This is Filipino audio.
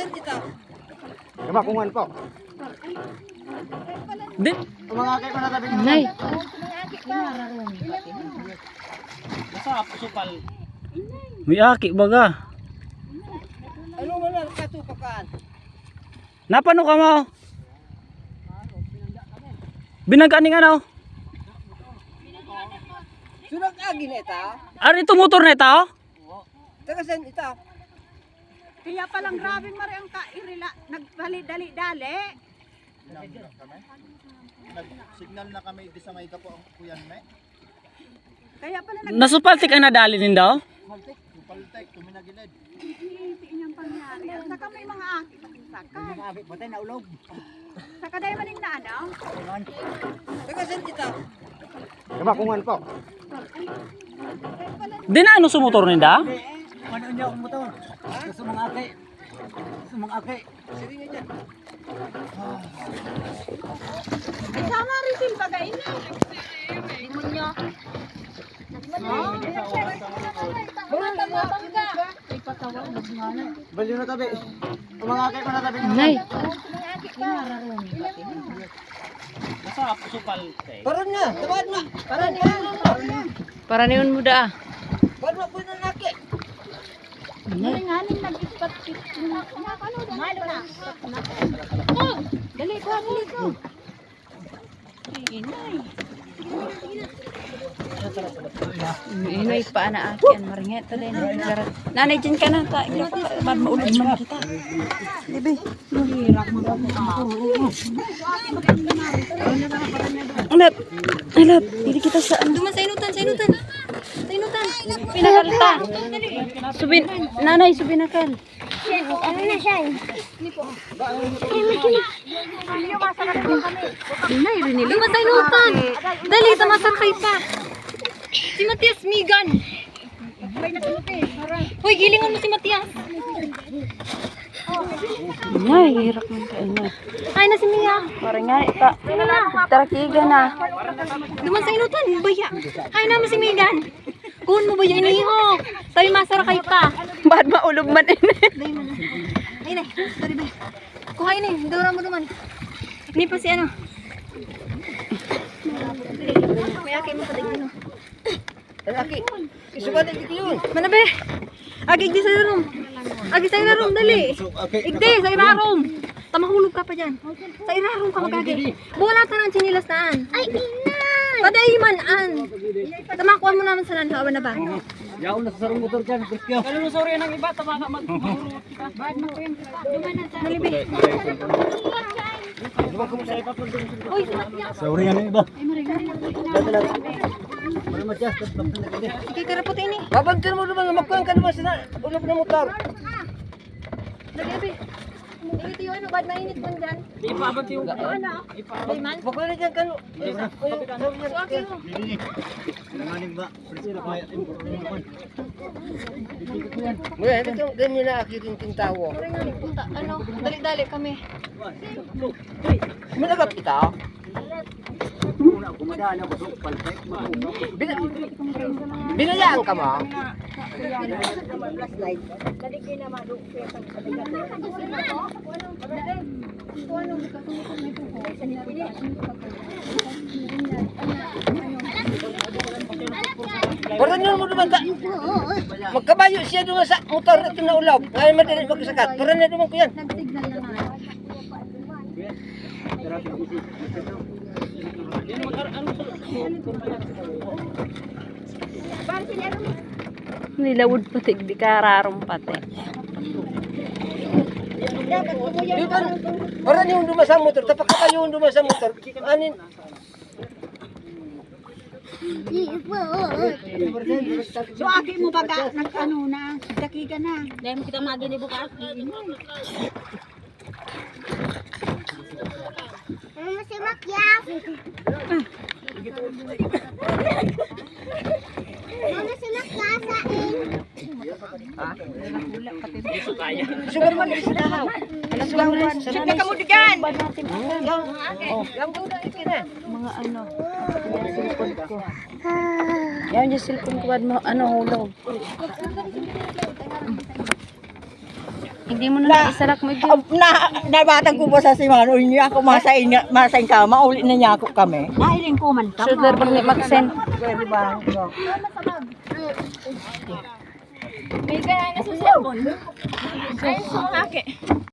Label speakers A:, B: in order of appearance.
A: Tagasan kita.
B: Kamakungan po.
C: Din.
B: Mga kay ko na tabi ng
C: Nay. May aki baga.
A: Ano mo lang katupakan?
C: Napano ka mo? Binangkaning ano?
A: Sunag agi na ita.
C: Ari ito motor na ito?
A: Tagasan ita.
D: Kaya palang grabe mari ang kairila nagdali-dali-dali.
B: Nag-signal na kami di sa may kapo ang kuyan me.
D: Kaya pala
C: Nasupaltik ang nadali din daw?
B: Paltek tuminagilid.
D: nagtiti niyang pangyari. At saka may mga aki sakay.
B: Abi patay na ulog.
D: Saka dahil maning na ano?
A: Tagasan kita.
B: Kamakungan po.
C: Di na ano sumotor ninda?
B: Ano niya ang motor? Gusto mga aki. Gusto mga aki.
A: Sige nga dyan.
D: Isama rin sin bagay na. Demonyo.
B: Baliw na tabi. Mga aki ko na tabi ng
C: Nay.
A: Paran nga. Tabad nga. Paran nga.
C: Para niyon mo da.
A: Paran mo po na naki.
D: Nganing nag-ispat-pit. Malo na. Oh, dali ko, dali ko. Inay.
C: Inay pa na aki ang maringet ta din. Nanay dyan ka na ta. Bad maulog man kita. Ibe. Alat. Alat. Dili kita sa ano.
D: Duman sa inutan, sa inutan. Sa inutan.
C: Pinakalta. Subin. Nanay subinakal.
D: Ano na siya?
C: Inay rinili.
D: Duman sa inutan. Dali, tamasakay pa. Si Matias Migan. Hoy, gilingan mo si Matias.
C: Inay, hirap man ka inay.
D: Ay na si Mia.
C: Parang nga ita. Tarakiga na.
D: Duman sa inutan, baya. Ay naman si Migan. Kuhon mo baya iniho. Tayo masarakay pa.
C: Bad maulog man inay.
D: Ay na, sorry ba. Kuha ini, dura mo duman. Ini pa si ano. Kuya kay mo pa din.
A: Laki. Isuban dito yun.
D: Manabe. Agig di sa room. Agig sa room dali. Igdi sa room. Tamahulog ka pa diyan. Sa room ka magagi. Bola ta nang chinilas taan. Ay inay. Paday man an. Tamakuha mo naman sa nanhawa na ba?
B: Yaw na sa sarong motor dyan. Krispyo.
C: Kalulu sorry nang iba tamaka mag.
D: Malibe. Oy, si Matias.
B: Sorry nga na iba.
D: Ay maringan.
B: Ano matya?
D: Ikikarapot ini.
A: Babantin mo naman. Magkuhan ka naman sa ulog na motor.
D: Nagabi. Ito yung ano, bad mainit mo dyan.
C: Ipabot yung
D: Ano? Ay man.
A: Magkuhan na dyan ka.
D: So, okay mo.
B: Nanganing ba? Priscilla kaya.
A: Ngayon, ito ganyan na akitin tintawo.
D: Maringan. Punta. Ano? Dali-dali kami.
A: Managap kita. Binayaan ka mo? Parang yun mo naman ka. Magkabayo siya doon sa motor ito na ulaw. Ngayon madali magkasakat. Parang na naman ko yan.
D: Nag-signal na nga.
C: nilawod pati di kararong pati.
A: Dito, parang yung dumasa motor. Tapak ka yung dumasa motor. Anin?
D: So, aki mo baga, nag-ano na, dakiga na. Dahil mo kita magini bukas. Ano si Makyas? Ano si Makyas sa
A: Sugar man sa dahaw. Alas lang man.
D: Sige ka mo digan.
A: Yang buda ikina.
C: Mga ano. Yan cellphone ko. Yan yung cellphone ko. Ano hulog. Hindi mo na isarak mo dyan.
E: Nabatang ko po sa simano niya ako masain kama uli na niya ako kami.
D: Dahil ko man ka.
C: Shoulder pag mag-send.
E: Pwede ba?
D: May kaya na sa cellphone. Ay, so,